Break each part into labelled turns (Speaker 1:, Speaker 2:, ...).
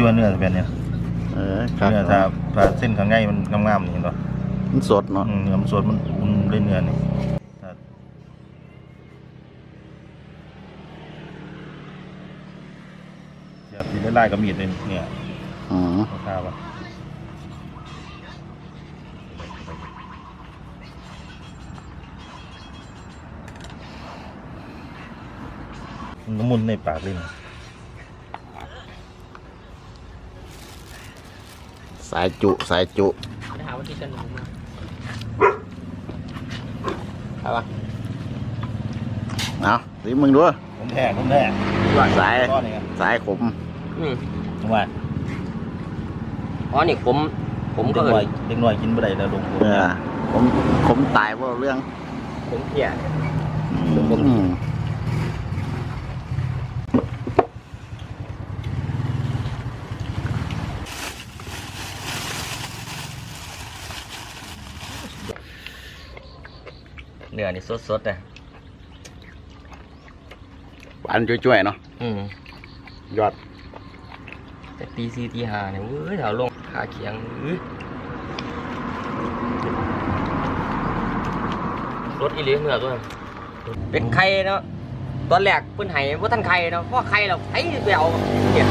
Speaker 1: ว่าเนื้อแบบนี้
Speaker 2: ครับ
Speaker 1: เนื้อถ้าเส้นข้างในมันงามๆนี่เห็นป่ะ
Speaker 2: มันสดเนาะ
Speaker 1: เนื้อมันสดมันอุ่นด้วยเนื้อนี่สีไล่กับมีดเลยเนี่ยข้าวป่ะน้ำมันในปากเลยนะ
Speaker 2: สายจุไป
Speaker 3: หาว่าที่กันหนูมาเอาปะ
Speaker 2: เอาดิมึงดู
Speaker 1: ผมแท้
Speaker 2: สายขม
Speaker 1: จังหวะ
Speaker 3: อ๋อนี่ผมก็
Speaker 1: เด็กน้อยกินบ่ได้แล้วลง
Speaker 2: ผมตายเพราะเรื่อง
Speaker 3: ผมเพี้ยเนื้อนี่สดๆเลย
Speaker 2: หวานจ่วยๆเนาะยอด
Speaker 3: แต่ตี4ตี5เนี่ยเว้ยแถวลงขาเคียงรสอีเลี้ยงเนื้อด้วยเป็นไข่เนาะตอนแรกเพิ่นไห้ว่าท่านไข่เนาะเพราะไข่เราไอ้ไปเอาเนี่ย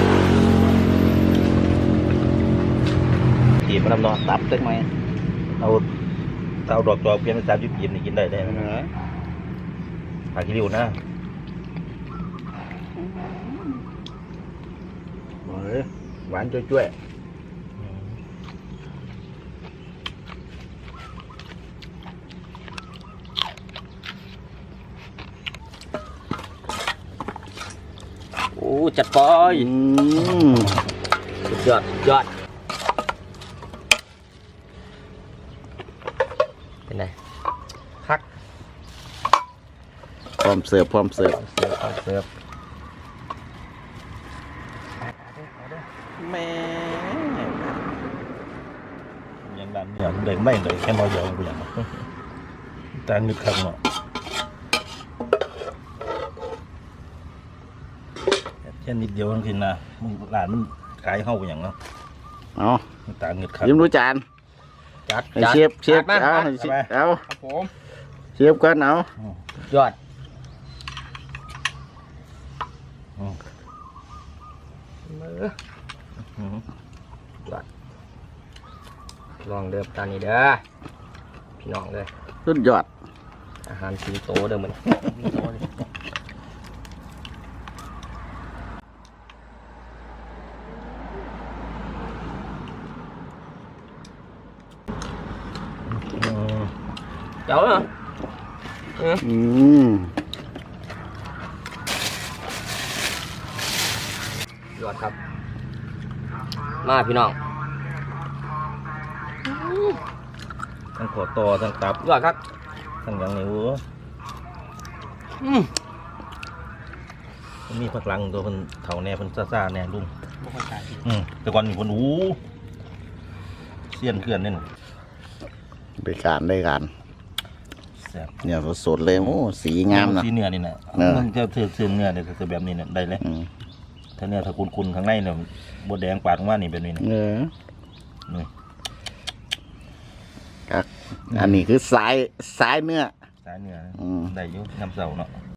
Speaker 1: ตีมันนอนตับเต็มไหมเอาดอกจอกเปลี่ยนเป็น30 ปีนี่กินได้ผักขี้ริ้วนะ
Speaker 2: หวานจ่วย
Speaker 3: โอ้จัดไปสุดยอดเป็นไงพัก
Speaker 2: พร้อมเสิร์ฟแม่
Speaker 1: ยังดันอย่างเด็กไม่เลยแค่น้อยเดียวกูอย่างแต่นึกคำเนาะแค่นิดเดียวทั้งทีนะมึงหลานมันขายเข้าไปอย่างเนาะต่างเงินครับ
Speaker 2: ยิ้มรู้จาน
Speaker 3: จัด
Speaker 2: เชฟเอา
Speaker 3: ครับผม
Speaker 2: เชฟกันเอา
Speaker 3: ยอดลองเดิมตานี้เด้อพี่น้องเลย
Speaker 2: สุดยอด
Speaker 3: อาหารสิงโตเดิมมันเจ้าเหรอยอดครับมาพี่น้อง
Speaker 1: ทั้งขอต่อทั้งตับ
Speaker 3: ยอดครับ
Speaker 1: ทั้งอย่างนี้มีผักลังตัวมันเถาแน่มันซ่าแน่ลุงแต่ก่อนมีคนเสี้ยนเกลื่อนนี่
Speaker 2: ได้การเนี่ยสดเลยโอ้สีงามนะ
Speaker 1: สีเนื้อนี่นะมันจะเสื่อมเนื้อเนี่ยจะแบบนี้เนี่ยได้เลยถ้าเนื้อถ้าคุณข้างในเนี่ยบดแดงปาดว่านี่เป็นนี่นะนี่
Speaker 2: อันนี้คือสายเนื้อ
Speaker 1: ได้ยุ่น้ำเสาเนาะ